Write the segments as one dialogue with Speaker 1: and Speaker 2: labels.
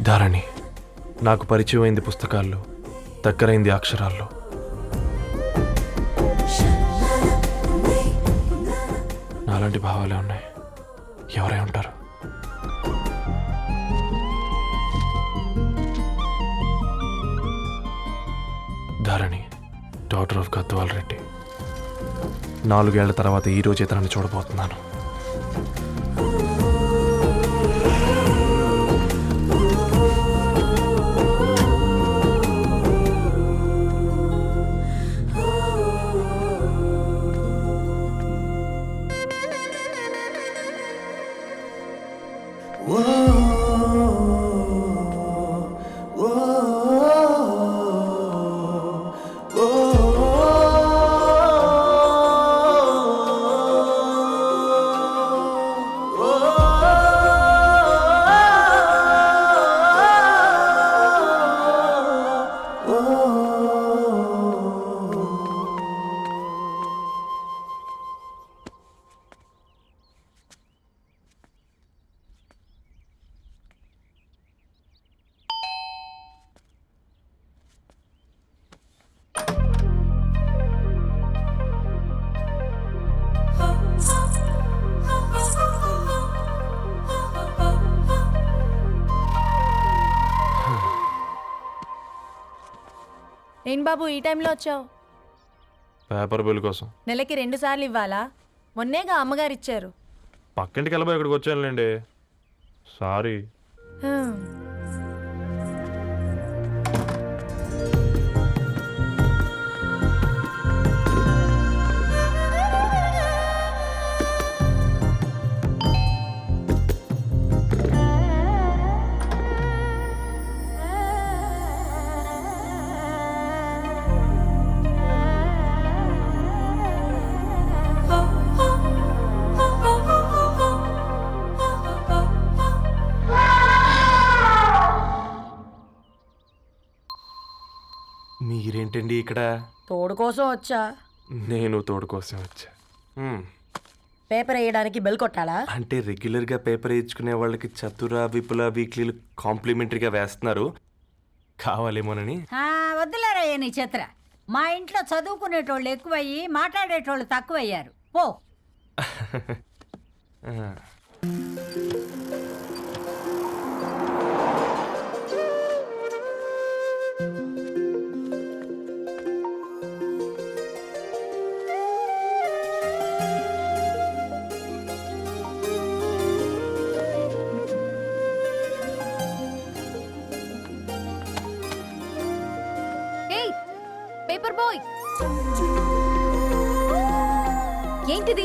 Speaker 1: ధారణి నాకు పరిచయం అయింది పుస్తకాల్లో, దగ్గరైంది అక్షరాల్లో. నాలాంటి భావాలే ఉన్నాయి. ఎవరై ఉంటారు? Dharani, daughter of Gadwal Reddy. 4 ఏళ్ల తర్వాత ఈ రోజు ఇతరాన్ని చూడబోతున్నాను.
Speaker 2: ఏం బాబు ఈ టైంలో వచ్చావు?
Speaker 1: పేపర్ బిల్ కోసం.
Speaker 2: నెలకి 2 సార్లు ఇవ్వాలా? మొన్నేగా అమ్మగారు ఇచ్చారు.
Speaker 1: పక్కింటికి వెళ్ళబోయి ఇక్కడికి వచ్చానులేండి. సారీ. మీరేంటండి ఇక్కడ?
Speaker 3: తోడు కోసం వచ్చా.
Speaker 1: నేను తోడు కోసం వచ్చా.
Speaker 3: పేపర్ వేయడానికి బెల్ కొట్టాలా?
Speaker 1: అంటే రెగ్యులర్గా పేపర్ వేయించుకునే వాళ్ళకి చతుర విపుల వీక్లీలు కాంప్లిమెంటరీగా వేస్తున్నారు, కావాలేమోనని.
Speaker 3: వద్దులేరయ్య నీ చిత్ర. మా ఇంట్లో చదువుకునేటోళ్ళు ఎక్కువయ్యి మాట్లాడేటోళ్ళు తక్కువయ్యారు. పో.
Speaker 2: పేపర్ బాయ్, ఏంటిది?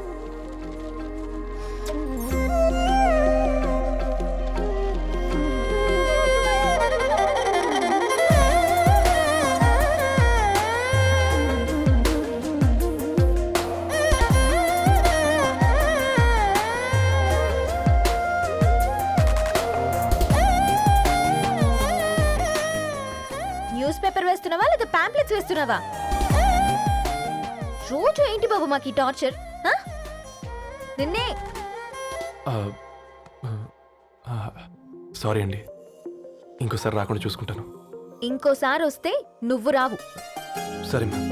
Speaker 2: న్యూస్ పేపర్ వేస్తున్నావా లేదా పాంప్లెట్స్ వేస్తున్నావా? రోజు ఏంటి బాబు మాకు ఈ టార్చర్? నిన్నే.
Speaker 1: సారీ అండి, ఇంకోసారి రాకుండా చూసుకుంటాను.
Speaker 2: ఇంకోసారి వస్తే నువ్వు రావు.
Speaker 1: సరే మా.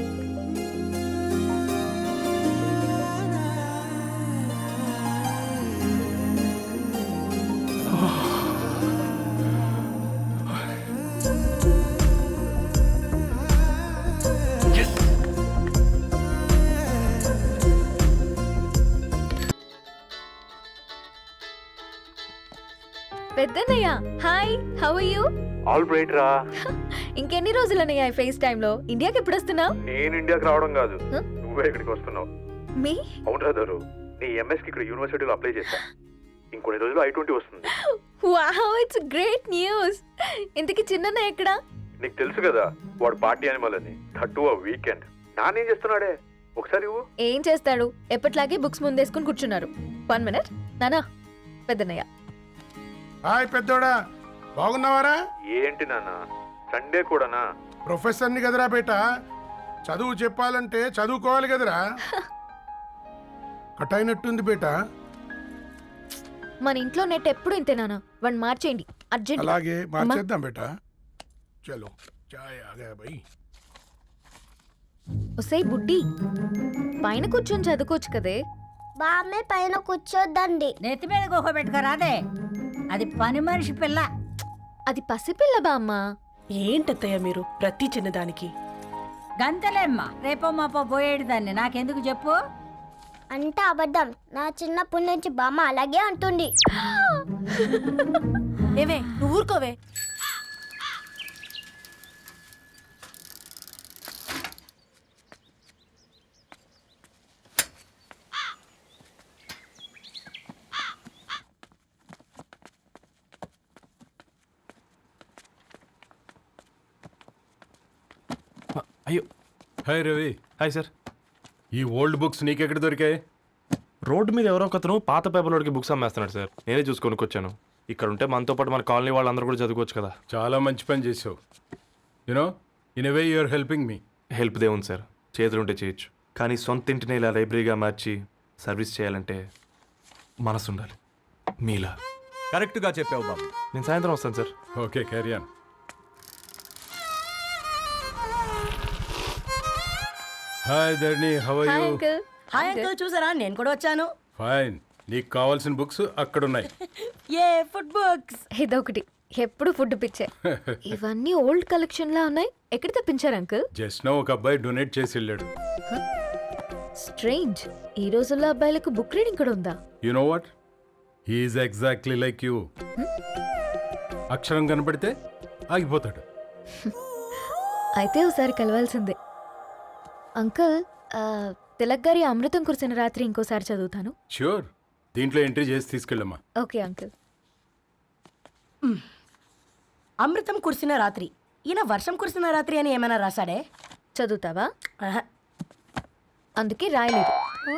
Speaker 2: పెద్దన్నయ్య, hi, how are you?
Speaker 4: All right రా.
Speaker 2: ఇంకెన్ని రోజులన్నయ్య ఈ ఫేస్ టైమ్ లో? ఇండియాకి ఎప్పుడు వస్తున్నావు?
Speaker 4: నేను ఇండియాకి రావడం కాదు, నువ్వే ఇక్కడికి వస్తున్నావు.
Speaker 2: మీ?
Speaker 4: అవును రాదారు, నీ ఎంఎస్ కి ఇక్కడ యూనివర్సిటీలో అప్లై చేశా. ఇంకొన్ని రోజులు I-20 వస్తుంది.
Speaker 2: Wow, it's great news. ఇంతకి చిన్నన్నయ్య ఎక్కడా?
Speaker 4: నీకు తెలుసు కదా వాడు పార్టీ అనిమల్ అని. థర్టూ ఆ వీకెండ్ నానేం చేస్తున్నాడే, ఒకసారి ఇవ్వు.
Speaker 2: ఏం చేస్తాడు, ఎప్పట్లాగే బుక్స్ ముందేసుకుని కూర్చున్నారు. 1 మినిట్ నానా. పెద్దన్నయ్య.
Speaker 5: హాయ్ పెద్దోడా, బాగున్నావారా?
Speaker 4: ఏంటి నాన్న సండే కూడానా?
Speaker 5: ప్రొఫెసర్ని కదరా బేట, చదువు చెప్పాలంటే చదువుకోవాలి కదరా. కట్ అయినట్టుంది బేట.
Speaker 2: మన ఇంట్లో నెట్ ఎప్పుడు ఇంతేనా? 1 మార్చేయండి. అర్జెంట్
Speaker 5: అలాగే మార్చేద్దాం బేటా చలో చాయ్ ఆగా భయ్
Speaker 2: ఒసేయ్ బుడ్డి పైన కూర్చొని చదువుకోవచ్చు కదే.
Speaker 6: బామ్మే పైన కూర్చోద్దండి.
Speaker 3: నెత్తి మీద గుహ పెట్టుకోరాదే, అది పని మనిషి పిల్ల.
Speaker 2: అది పసిపిల్ల బామ్మ.
Speaker 7: ఏంటత్తయ్య మీరు ప్రతి చిన్నదానికి?
Speaker 3: గంతలేమ్మా, రేపో మాపో పోయేడు దాన్ని నాకెందుకు చెప్పు.
Speaker 6: అంటే అబద్ధం. నా చిన్నప్పటి నుంచి బామ్మ అలాగే అంటుంది.
Speaker 7: ఏవే నువ్వు ఊరుకోవే.
Speaker 1: అయ్యో
Speaker 8: హాయ్ రవి,
Speaker 1: హాయ్ సార్.
Speaker 8: ఈ ఓల్డ్ బుక్స్ నీకెక్కడ దొరికాయి?
Speaker 1: రోడ్డు మీద ఎవరో ఒకతను పాత పేపర్లోకి బుక్స్ అమ్మేస్తున్నాడు సార్. నేనే చూసుకొని వచ్చాను. ఇక్కడ ఉంటే మనతో పాటు మన కాలనీ వాళ్ళందరూ కూడా చదువుకోవచ్చు కదా.
Speaker 8: చాలా మంచి పని చేసావు. You know in a way you are helping me.
Speaker 1: Help దే ఉంది సార్, చేతులుంటే చేయొచ్చు. కానీ సొంత ఇంటిని ఇలా లైబ్రరీగా మార్చి సర్వీస్ చేయాలంటే మనసు ఉండాలి. మీలా.
Speaker 9: కరెక్ట్గా చెప్పావు బాబు.
Speaker 1: నేను సాయంత్రం వస్తాను sir.
Speaker 8: Okay, carry on. Hi Dharni, how are
Speaker 2: hi
Speaker 8: you?
Speaker 2: Uncle.
Speaker 7: Hi uncle, చూసారా నేను కూడా వచ్చాను.
Speaker 8: ఫైన్. నీకు కావాల్సిన బుక్స్ అక్కడ ఉన్నాయి.
Speaker 7: ఏ ఫుడ్ బుక్స్?
Speaker 2: ఇదొకటి ఎప్పుడు ఫుడ్ పిచ్చే. ఇవన్నీ ఓల్డ్ కలెక్షన్ లా ఉన్నాయి. ఎక్కడ తెప్పించారు అంకుల్?
Speaker 8: జస్ట్ నో ఒక అబ్బాయి డొనేట్ చేసి వెళ్ళాడు.
Speaker 2: స్ట్రేంజ్. ఈ రోజుల్లో అబ్బాయిలకు బుక్ రీడింగ్ కూడా ఉందా?
Speaker 8: You know what, he's exactly like you. అక్షరం కనపడితే ఆగిపోతాడు.
Speaker 2: అయితే ఒకసారి కలవాల్సిందే. అంకుల్, తిలక్ గారి అమృతం కురిసిన రాత్రి ఇంకోసారి చదువుతాను.
Speaker 8: ష్యూర్, దీంట్లో ఎంట్రీ చేసి తీసుకెళ్ళమ్మా.
Speaker 2: Okay uncle.
Speaker 7: అమృతం కురిసిన రాత్రి. ఈయన వర్షం కురిసిన రాత్రి అని ఏమైనా రాశాడే?
Speaker 2: చదువుతావా?
Speaker 7: ఆహా.
Speaker 2: అందుకే రాయలేదు.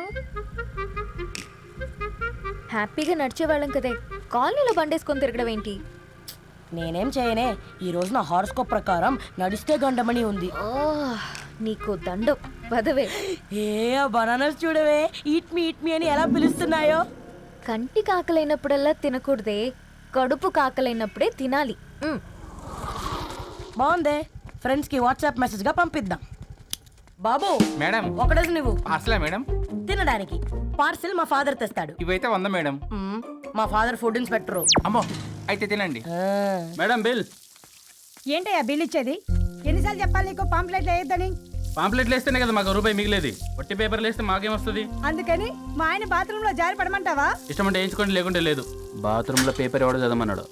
Speaker 2: హ్యాపీగా నడిచేవాళ్ళం కదే, కాలనీలో బండేసుకొని తిరగడం ఏంటి?
Speaker 7: నేనేం చేయనే, ఈ రోజు నా హారోస్కోప్ ప్రకారం నడిస్తే గండమణి ఉంది.
Speaker 2: ఓ, నీకు దండం పదవే.
Speaker 7: ఏ బనానాస్ చూడవే, ఈట్ మీ అని ఎలా పిలుస్తున్నాయో.
Speaker 2: కంటి కాకలైనప్పుడల్లా తినకూడదే, కడుపు కాకలైనప్పుడే తినాలి.
Speaker 7: బాగుందే, ఫ్రెండ్స్ కి వాట్సాప్ మెసేజ్ గా పంపిద్దాం. బాబు
Speaker 9: మేడం,
Speaker 7: ఒకడేసి నువ్వు
Speaker 9: అసలే మేడం
Speaker 7: తినడానికి పార్సిల్ మా ఫాదర్ తెస్తాడు.
Speaker 9: ఇవైతే 100 మేడం.
Speaker 7: మా ఫాదర్ ఫుడ్ ఇన్స్పెక్టర్.
Speaker 9: అమ్మో, అయితే తినండి మేడం. బిల్
Speaker 3: ఏంటయ్యా బిల్ ఇచ్చేది? ఎన్నిసార్లు చెప్పాలి నీకు పాంప్లెట్లు వేయొద్దని?
Speaker 9: పాంప్లెట్లు వేస్తేనే కదా మాకు రూపాయి మిగిలేది. వట్టి పేపర్లు వేస్తే మాకేమొస్తుంది?
Speaker 3: అందుకని మా ఆయన బాత్రూంలో జారి పడమంటావా?
Speaker 9: ఇష్టం అంటే వేయించుకోండి, లేకుంటే లేదు. బాత్రూంలో పేపర్ ఎవడో చదవమన్నాడు.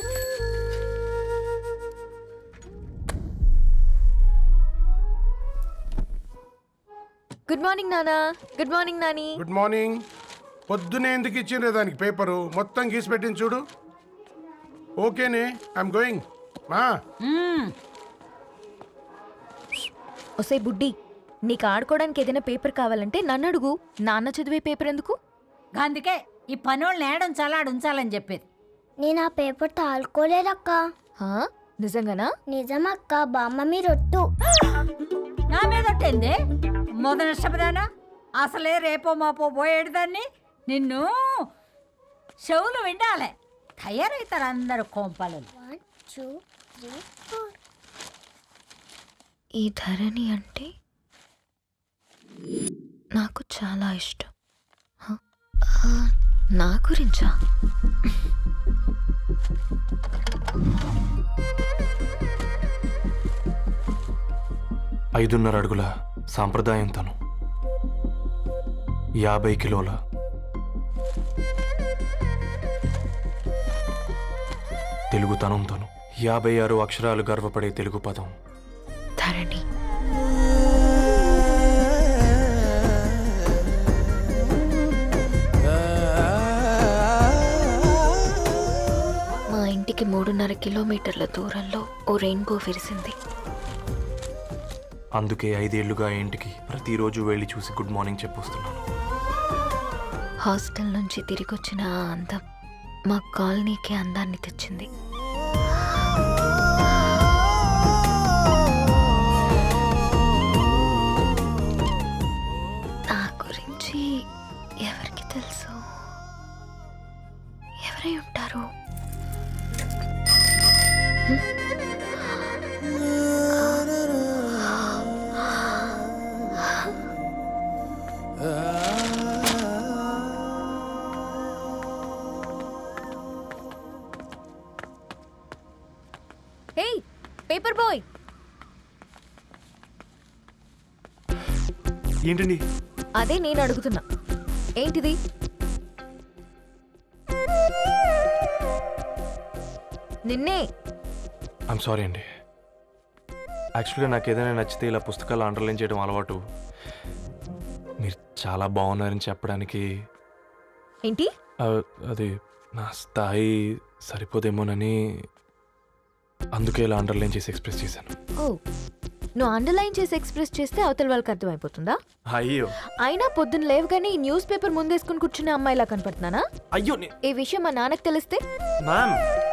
Speaker 2: గుడ్ మార్నింగ్ నానా. Good morning Nani.
Speaker 5: Good morning. పొద్దునే ఎందుకు ఇచ్చిండ్రే దానికి పేపరు? మొత్తం గీసి పెట్టింది చూడు. ఓకేనే, ఐఎమ్ గోయింగ్. మా
Speaker 2: ఒసే బుడ్డి, నీకు ఆడుకోవడానికి ఏదైనా పేపర్ కావాలంటే నన్ను అడుగు. నాన్న చదివే పేపర్ ఎందుకు?
Speaker 3: అందుకే ఈ పనోళ్ళని ఏడుంచాలా ఉంచాలని చెప్పేది.
Speaker 6: నేను ఆ పేపర్ తాలుకోలేదక్క.
Speaker 2: హా? నిజంగానా?
Speaker 6: నిజమక్క, బామ్మ మీరొట్టు.
Speaker 3: నా మీద ఒట్టేంది మొదటి నష్టపదానా? అసలే రేపో మాపో పోయేడు దాన్ని. నిన్ను చెవులు విండాలే, తయారవుతారు అందరు కోంపాలు.
Speaker 6: 1 2 3 4.
Speaker 2: ఈ ధరణి అంటే నాకు చాలా ఇష్టం. హ? నా గురించా?
Speaker 1: ఐదున్నర అడుగుల సాంప్రదాయం తను, 50 కిలోల తెలుగుతనం తను, 56 అక్షరాలు గర్వపడే తెలుగు పదం
Speaker 2: ధరణి. మా ఇంటికి 3.5 కిలోమీటర్ల దూరంలో ఓ రెయిన్బో విరిసింది.
Speaker 1: అందుకే 5 ఏళ్లుగా ఇంటికి ప్రతిరోజు వెళ్ళి చూసి గుడ్ మార్నింగ్ చెప్పొస్తున్నాను.
Speaker 2: హాస్టల్ నుంచి తిరిగొచ్చిన ఆ అందం మా కాలనీకి అందాన్ని తెచ్చింది. నా గురించి ఎవరికి తెలుసు? ఎవరై ఉంటారు? హే పేపర్ బాయ్,
Speaker 1: ఏంటండి?
Speaker 2: అదే నేను అడుగుతున్నా, ఏంటిది? నిన్నే.
Speaker 1: ఐమ్ సారీ అండి. యాక్చువల్గా నాకు ఏదైనా నచ్చితే ఇలా పుస్తకాలు అండర్లైన్ చేయడం అలవాటు. మీరు చాలా బాగున్నారని చెప్పడానికి
Speaker 2: ఏంటి?
Speaker 1: అది నా స్థాయి సరిపోదేమోనని అందుకే ఇలా అండర్లైన్ చేసి ఎక్స్ప్రెస్ చేశాను.
Speaker 2: ఓ, నువ్వు అండర్లైన్ చేసి ఎక్స్ప్రెస్ చేస్తే అవతల వాళ్ళకి అర్థమైపోతుందా?
Speaker 1: అయ్యో
Speaker 2: అయినా పొద్దున్న లేవగానే ఈ న్యూస్ పేపర్ ముందేసుకుని కూర్చునే అమ్మాయిలా కనపడుతున్నానా?
Speaker 1: అయ్యో
Speaker 2: ఈ విషయం మా నాన్నకు తెలిస్తే?
Speaker 1: Ma'am,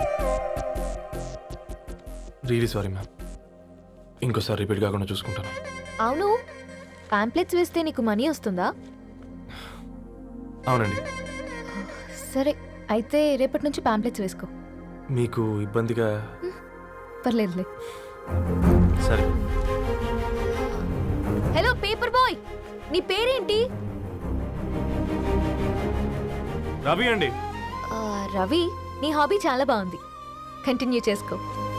Speaker 1: really sorry ma'am. ఇంకోసారి రిపీట్ కాకుండా చూసుకుంటాను.
Speaker 2: అవును, పాంప్లెట్స్ వేస్తే నీకు మనీ వస్తుందా?
Speaker 1: అవునండి.
Speaker 2: సరే, అయితే రేపటి నుంచి పాంప్లెట్స్ వేసుకో.
Speaker 1: మీకు ఇబ్బందిగా?
Speaker 2: పర్లేదులే.
Speaker 1: సరే.
Speaker 2: హలో పేపర్ బాయ్, నీ పేరేంటి?
Speaker 1: రవి అండి.
Speaker 2: రవి, నీ హాబీ చాలా బాగుంది, కంటిన్యూ చేసుకో.